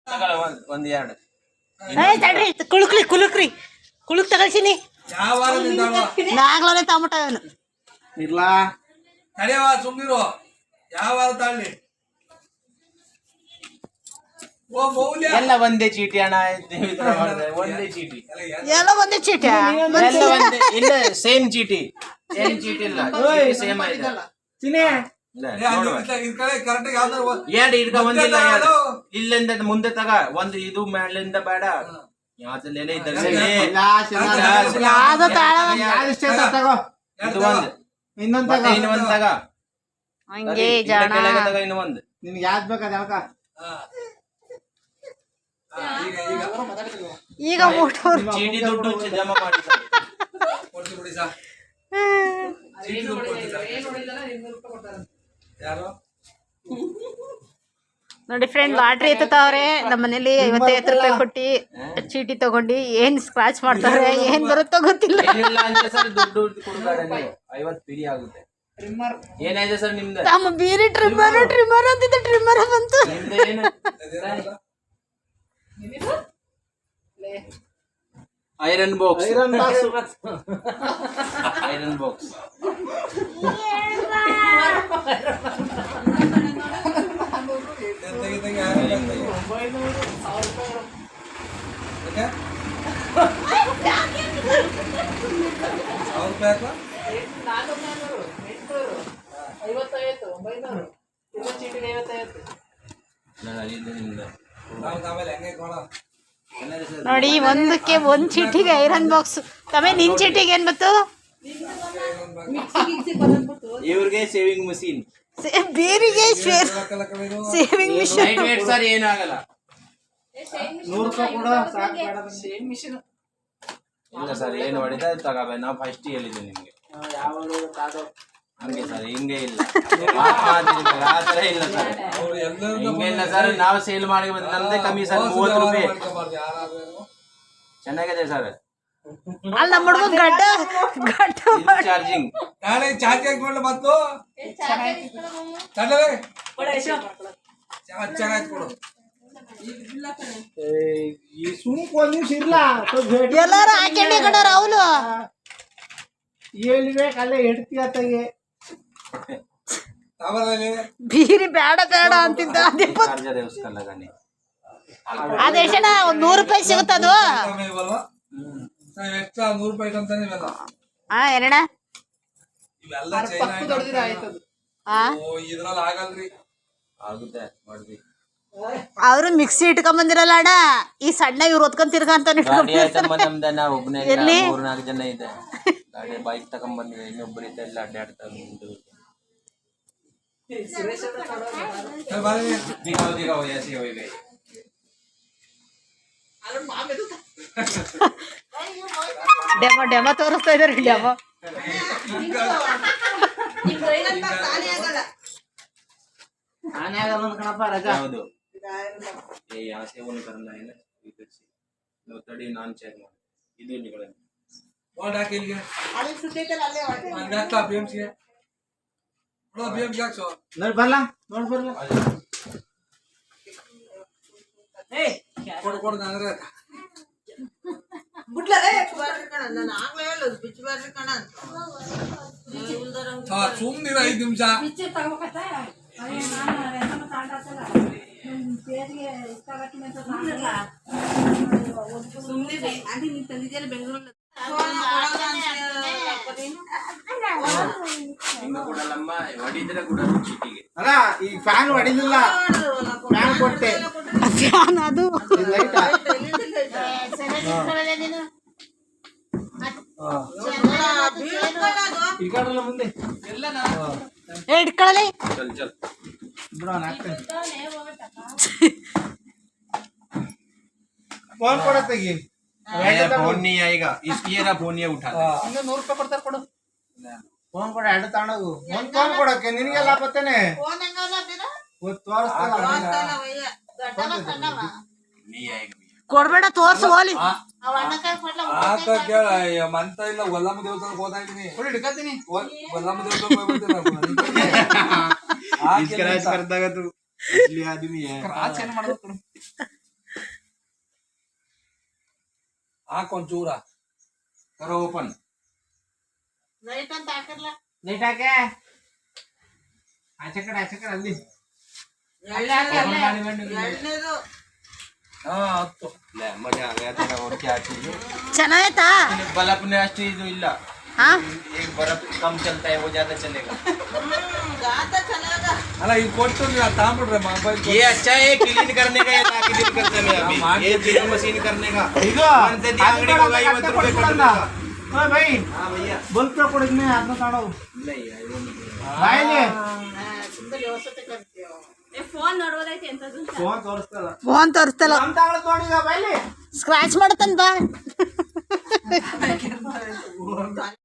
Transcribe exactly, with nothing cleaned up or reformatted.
ಒಂದ್ ಎರಡು ಕುಳುಕ್ರಿ ಕುಳುಕ್ರಿ ಕುಳುಕ್ ತಗಳ್ಸಿನಿ ನಾಗ್ಲೇ ತಗೊಂಬಿಟ್ಟ ಅವನು ಇರ್ಲಾ ತಡೆಯವ ಸುಮ್ನಿರು ಯಾವ ತಾಳ್ಲಿ ಎಲ್ಲ ಒಂದೇ ಚೀಟಿ ಅಣ್ಣ ಒಂದೇ ಚೀಟಿ ಎಲ್ಲ ಒಂದೇ ಚೀಟಿ ಎಲ್ಲ ಒಂದೇ ಇಲ್ಲ ಸೇಮ್ ಚೀಟಿ ಸೇಮ್ ಚೀಟಿ ಇಲ್ಲ ಸೇಮ್ ಆಯ್ತಲ್ಲ ಎರಡು ಹಿಡ್ಕ ಒಂದಿಲ್ಲ ಇಲ್ಲಿಂದ ಮುಂದೆ ತಗ ಒಂದು ಇದು ಮೇಲಿಂದ ಬೇಡ ಯಾವ್ದಲ್ಲೇನೆ ಇದ್ದಾಗ ಇದು ಒಂದು ಇನ್ನೊಂದ್ ಇನ್ನೊಂದ್ ತಗ ಹಂಗೆ ಜಾಣ ತಗ ಇನ್ನು ಒಂದು ನಿನ್ಗೆ ಯಾವ್ದು ಬೇಕಾದ ಯಾಕ ಈಗ ಊಟೋರು ಚೀಟಿ ದುಡ್ಡು ಜಮಾ ಮಾಡಿ ನೋಡಿ ಫ್ರೆಂಡ್ ಲಾಟ್ರಿ ಎತ್ತವ್ರೆ ನಮ್ಮ ಮನೇಲಿ ಐವತ್ತೈವತ್ತು ರೂಪಾಯಿ ಕೊಟ್ಟಿ ಚೀಟಿ ತಗೊಂಡು ಏನ್ ಸ್ಕ್ರಾಚ್ ಮಾಡ್ತಾರೆ ಏನ್ ಬರುತ್ತೋ ಗೊತ್ತಿಲ್ಲ ದುಡ್ಡು ಕೊಡ್ಬೇಡ ನೀವು ಐವತ್ತು ಪಿಡಿ ಆಗುತ್ತೆ ಏನಾಯ್ತು ಸರ್ ನಿಮ್ದು ನಮ್ಮ ಬೀರಿ ಟ್ರಿಮ್ಮರ್ ಟ್ರಿಮ್ಮರ್ ಅಂತಿದ್ದ ಟ್ರಿಮ್ಮರ್ ಬಂತು ನಿಮ್ದು ಏನು iron box iron box iron box ನೋಡಿ ಒಂದಕ್ಕೆ ಒಂದ್ ಚೀಟಿಗೆ ಐರನ್ ಬಾಕ್ಸ್ ತಮೇ ನಿನ್ ಚೀಟಿಗೆ ಏನ್ ಬತ್ತು ಇವ್ರಿಗೆ ಸೇವಿಂಗ್ ಮಷೀನ್ ಬೇರಿಗೆ ಸೇವಿಂಗ್ ಮಿಷನ್ ಸರ್ ಏನಾಗಲ್ಲ ನೂರು ರೂಪಾಯಿ ಕೂಡ ಇಲ್ಲ ಸರ್ ಏನು ಹೊಡಿದ ತಗೋಬ ನಾವು ಫಸ್ಟ್ ಹೇಳಿದ್ದೆ ನಿಮ್ಗೆ ಹಂಗೆ ಸರ್ ಹಿಂಗೆ ಇಲ್ಲ ಆ ಥರ ಇಲ್ಲ ಸರ್ ಹಿಂಗೆ ಇಲ್ಲ ಸರ್ ನಾವು ಸೇಲ್ ಮಾಡಿ ನಮ್ದೇ ಕಮ್ಮಿ ಸರ್ ಮೂವತ್ತು ರೂಪಾಯಿ ಚೆನ್ನಾಗಿದೆ ಸರ್ ಅಲ್ಲ ನಮ್ಮ ಹುಡುಗ ಗಡ್ಡ ಗಡ್ಡ ಚಾರ್ಜಿಂಗ್ ನಾಳೆ ಚಾರ್ಜ್ ಹಾಕೊಂಡು ಮತ್ತು ತಡಲೆ ಚೆನ್ನಾಗಿ ಕೊಡು ಈ ಸುಮ್ಕ ಒಂದ್ ನಿಮಿಷ ಇರ್ಲ ಎಲ್ಲಾರು ಹಾಕೊಂಡೆ ಕಡ ರಾಹುಲು ಎಲ್ಲಿ ಬೇಕಲ್ಲೇ ಇಡ್ತೀಯ ತಗೆ ಬೀರಿ ಬೇಡ ಬೇಡ ಅಂತಿದ್ದ ಚಾರ್ಜರ್ ಉಸ್ಕಲ್ಲ ಗಣಿ ಅದೆಷ್ಟಣ ಒಂದ್ ನೂರು ರೂಪಾಯಿ ಸಿಗುತ್ತದು ಎಕ್ಸ್ಟ್ರಾ ನೂರು ರೂಪಾಯಿ ಅಂತಾನೆ ಇವೆಲ್ಲ ಹಾ ಏನಣ್ಣ ಇವೆಲ್ಲ ಚೈನಾ ಹಾ ಇದ್ರಲ್ಲಿ ಆಗಲ್ರಿ ಆಗುತ್ತೆ ಮಾಡ್ವಿ ಅವರು ಮಿಕ್ಸಿ ಇಟ್ಕೊಂಡ್ ಬಂದಿರಲ್ಲ ಅಣ್ಣ ಈ ಸಣ್ಣ ಇವ್ರು ಹೊತ್ಕೊಂಡ್ ತಿರ್ಗಂತ ನಮ್ದ ನಾ ಒಬ್ಬನೇ ಮೂರ್ನಾಲ್ಕು ಜನ ಇದೆ ಗಾಡಿ ಬೈಕ್ ತಗೊಂಡ್ ಬಂದಿದೆ ಇನ್ನೊಬ್ಬರು ಇದೆ ಎಲ್ಲ ಅಡ್ಡಾಡ್ತಾ दिखाओ दिखाओ ऐसे हो गए ಡೆಮೋ ಡೆಮೋ ತೋರಿಸ್ತಾ ಇದಾರೆ ಡೆಮೋ ಆನೆ ಆಗಲ್ಲ ಕಣಪ್ಪ ರಜಾ ಹೌದು ಏ यहाँ से वो करना है ना इधर से नो तड़ी नान चेक ಮಾಡಿ ಇದು ನಿಗಳೇ ಬೋರ್ಡ್ ಹಾಕಿ ಇಲ್ಲಿಗೆ ಅಲ್ಲಿ ಸುತ್ತೈತಲ್ಲ ಅಲ್ಲೇ ಹೊರಟೆ ನಾನು ಹಾಕ್ತಾ ಬಿಎಂಸಿ ನೋಡು ಬಿಎಂಸಿ ಹಾಕ್ಸೋ ನೋಡಿ ಬರಲ್ಲ ನೋಡಿ ಬರಲ್ಲ ಏ ಕೊಡು ಕೊಡು ನನಗೆ ಬಿಟ್ಲೇ ಬಾರ್ರಿ ಕಣ ನಾನು ಆಗ್ಲೇ ಹೇಳೋದು ಬಿಚ್ಚಿ ಬಾರ್ರಿ ಕಣ ಅಂತ ಹಾ ಸುಮ್ಮನಿರ ಐದು ನಿಮಿಷ ಬಿಚ್ಚಿ ತಗೋಕತ್ತಾ ಅಯ್ಯೋ ನಾನು ರೆಸಮ ತಾಂಡಾತಲ್ಲ ಪೇರಿಗೆ ಇಷ್ಟಗಟ್ಟಿನ ಅಂತ ತಾಂಡಲ್ಲ ಸುಮ್ಮನೆ ಆಂಟಿ ನೀನು ತಂದಿದ್ದೀಯಲ್ಲ ಬೆಂಗಳೂರಲ್ಲಿ ಹಿಂಗ ಕೊಡಲ್ಲಮ್ಮ ಹೊಡಿದ್ರೆ ಕೂಡ ಚೀಟಿಗೆ ಅಲ್ಲ ಈ ಫ್ಯಾನ್ ಹೊಡಿಲಿಲ್ಲ ಫ್ಯಾನ್ ಕೊಟ್ಟೆ ಫ್ಯಾನ್ ಅದು ಲೈಟ್ ಈ ಕಡೆಲ್ಲ ಮುಂದೆ ಇಟ್ಕೊಳ್ಳಿ ಚಲ್ ಚಲ್ ಬಿಡೋಣ ಹಾಕ್ತೇನೆ ಫೋನ್ ಕೊಡತ್ತೆಗಿ फोन नहीं आएगा इसकी ये ना फोन ये उठा ಇನ್ನು ನೂರು ರೂಪಾಯಿ ಕೊಡ್ತಾರೆ ಕೊಡು ಫೋನ್ ಕೊಡ ಎರಡು ತಗೊಂಡೋಗು ಒಂದ್ ಫೋನ್ ಕೊಡಕ್ಕೆ ನಿನಗೆಲ್ಲ ಬತ್ತೇನೆ ಫೋನ್ ಹೆಂಗಲ್ಲ ಬಿಡ ತೋರಿಸ್ತಾರ नहीं आएगा ಕೊಡ್ಬೇಡ ತೋರ್ಸು ಹೋಲಿ ಅವ ಅಣ್ಣಕಾಯಿ ಕೊಡ್ಲ ಆತ ಕೇಳ ಮಂತ ಇಲ್ಲ ಗೊಲ್ಲಮ್ಮ ದೇವಸ್ಥಾನಕ್ಕೆ ಹೋಗ್ತಾ ಇದ್ದೀನಿ ಹಿಡ್ಕತ್ತೀನಿ ಗೊಲ್ಲಮ್ಮ ದೇವಸ್ಥಾನಕ್ಕೆ ಹೋಗ್ಬಿಡ್ತೀನಿ स्क्रैच करता है तू इसलिए आदमी है ಕ್ರಾಚ್ ಏನು ಮಾಡ್ಬೇಕು ಹಾಕ್ ಒಂಚೂರ करो ओपन ಲೈಟ್ ಅಂತ ಹಾಕರ್ಲ लेट आके आचे कಡೆ आचे कಡೆ ಅಲ್ಲಿ ಎರಡನೇದು ಹಾ ಹತ್ತು ले मजा आ गया तेरा और क्या चाहिए ಚೆನ್ನಾಯ್ತಾ बल्ब ने अष्टी जो इल्ला ಹಾ एक बल्ब कम चलता है वो ज्यादा चलेगा ಅಲ್ಲ ಈಗ ಕೊಟ್ಟು ನೀವು ತಾಂಬಿಡ್ರೆ ಮೊಬೈಲ್ ये अच्छा है क्लीन करने का या ना क्लीन करने में अभी ये ड्रिल मशीन करने का मन से दिया अंगड़ी को गई मत रुपए कट देगा ओ भाई हां भैया बल्ब का पड़ में हाथ में काढ़ो नहीं यार वो नहीं भाई ले ಫೋನ್ ನೋಡೋದೈತೆ ಎಂತದ್ದು फोन ತೋರಿಸ್ತಲ್ಲ ಫೋನ್ ತೋರಿಸ್ತಲ್ಲ ನಮ್ಮ ತಾಳ ತೋಡಿಗ ಬಾಯ್ಲಿ ಸ್ಕ್ರಾಚ್ ಮಾಡತ್ತಂತ